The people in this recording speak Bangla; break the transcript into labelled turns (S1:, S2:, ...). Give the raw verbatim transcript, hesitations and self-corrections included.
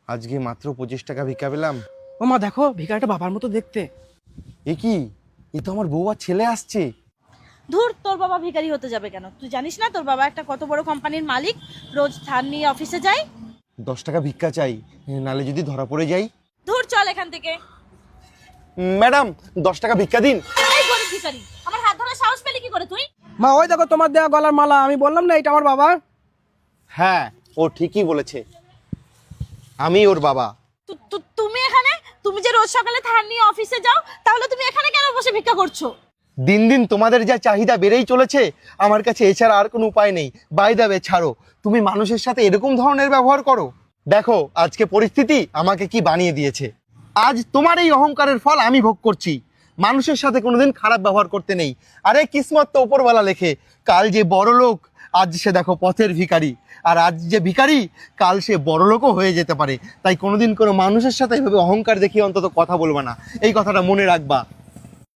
S1: আজকে মাত্র পঁচিশ টাকা ভিক্ষা পেলাম।
S2: ও মা দেখো ভিখারিটা বাবার মতো দেখতে।
S1: এ কি, এ তো আমার বউ আর ছেলে আসছে।
S3: ধুর, তোর বাবা ভিখারি হতে যাবে কেন? তুই জানিস না তোর বাবা একটা কত বড় কোম্পানির মালিক, রোজ ধার নিয়ে অফিসে যায়।
S1: দশ টাকা ভিক্ষা চাই, নালে যদি ধরা পড়ে যাই।
S3: ধুর, চল এখান থেকে।
S1: ম্যাডাম, দশ টাকা ভিক্ষা দিন।
S3: এই গরিব ভিখারি, আমার হাত ধরে সাহস পেলি কি করে তুই?
S2: মা ওই দেখো তোমার দেওয়া গলার মালা, আমি বললাম না এটা আমার বাবা।
S1: হ্যাঁ, ও ঠিকই বলেছে, আমি ওর বাবা।
S3: তু- তু- তুমি এখানে, তুমি যে রোজ সকালে ধার নিয়ে অফিসে যাও, তাহলে তুমি এখানে কেন বসে ভিক্ষা করছো?
S1: দিন দিন তোমাদের যা চাহিদা বেড়েই চলেছে, আমার কাছে এছাড়া আর কোনো উপায় নেই। বাই দেবে ছাড়ো, তুমি মানুষের সাথে এরকম ধরনের ব্যবহার করো? দেখো আজকে পরিস্থিতি আমাকে কি বানিয়ে দিয়েছে। আজ তোমার এই অহংকারের ফল আমি ভোগ করছি। মানুষের সাথে কোনোদিন খারাপ ব্যবহার করতে নেই। আরে কিসমত তো ওপরওয়ালা লেখে, কাল যে বড় লোক আজ সে দেখো পথের ভিখারি, আর আজ যে ভিখারি কাল সে বড় লোকও হয়ে যেতে পারে। তাই কোনোদিন কোনো মানুষের সাথে এভাবে অহংকার দেখিয়ে অন্তত কথা বলবে না, এই কথাটা মনে রাখবা।